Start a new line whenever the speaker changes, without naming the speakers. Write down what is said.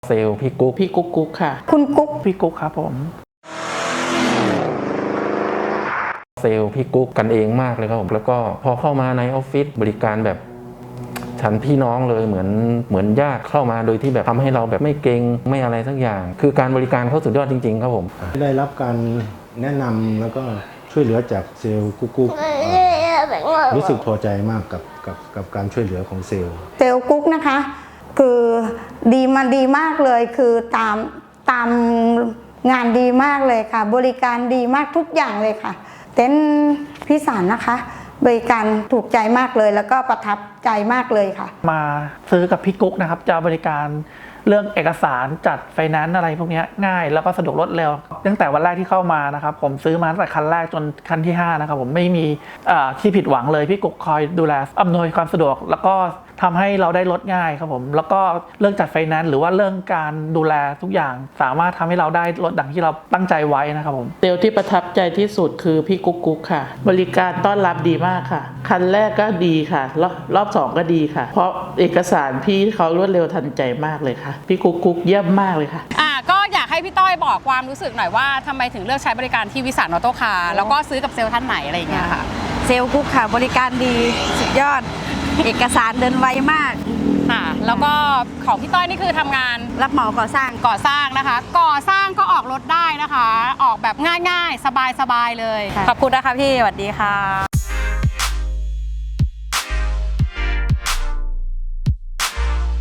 เซลล์พี่กุ๊กค่ะ
คุณกุ๊ก
พี่กุ๊กครับผม
เซลล์พี่กุ๊กกันเองมากเลยครับผมแล้วก็พอเข้ามาในออฟฟิศบริการแบบฉันพี่น้องเลยเหมือนญาติเข้ามาโดยที่แบบทำให้เราแบบไม่เกรงไม่อะไรสักอย่าง คือการบริการเขาสุดยอดจริงๆครับผม
ได้รับการแนะนำแล้วก็ช่วยเหลือจากเซลล์กุ๊กรู้สึกพอใจมากกับการช่วยเหลือของเซลล์
กุ๊กนะคะคือดีมากเลยคือตามงานดีมากเลยค่ะบริการดีมากทุกอย่างเลยค่ะเต็นท์พิสารนะคะบริการถูกใจมากเลยแล้วก็ประทับใจมากเลยค่ะ
มาซื้อกับพี่กุ๊กนะครับจะบริการเรื่องเอกสารจัดไฟแนนซ์อะไรพวกนี้ง่ายแล้วก็สะดวกรวดเร็วตั้งแต่วันแรกที่เข้ามานะครับผมซื้อมาตั้งแต่คันแรกจนคันที่5นะครับผมไม่มีที่ผิดหวังเลยพี่กุ๊กคอยดูแลอำนวยความสะดวกแล้วก็ทำให้เราได้รถง่ายครับผมแล้วก็เรื่องจัดไฟแนนซ์หรือว่าเรื่องการดูแลทุกอย่างสามารถทำให้เราได้รถดังที่เราตั้งใจไว้นะครับผม
เซลล์ที่ประทับใจที่สุดคือพี่กุ๊กค่ะบริการต้อนรับดีมากค่ะคันแรกก็ดีค่ะรอบ2ก็ดีค่ะเพราะเอกสารพี่เขารวดเร็วทันใจมากเลยค่ะพี่กุ๊กเยี่ยมมากเลยค่ะ
ก็อยากให้พี่ต้อยบอกความรู้สึกหน่อยว่าทำไมถึงเลือกใช้บริการที่วิสารออโต้คาร์แล้วก็ซื้อกับเซลล์ท่านไหนอะไรอย่างเงี้ยค่ะ
เซลล์กุ๊กค่ะบริการดีสุดยอด เอกสารเดินไวมาก
ค่ะแล้วก็ของพี่ต้อยนี่คือทำงาน
รับเหมาก่อสร้าง
นะคะก่อสร้างก็ออกรถได้นะคะออกแบบง่ายๆสบายๆเลย
ขอบคุณนะคะพี่สวัสดีค่ะ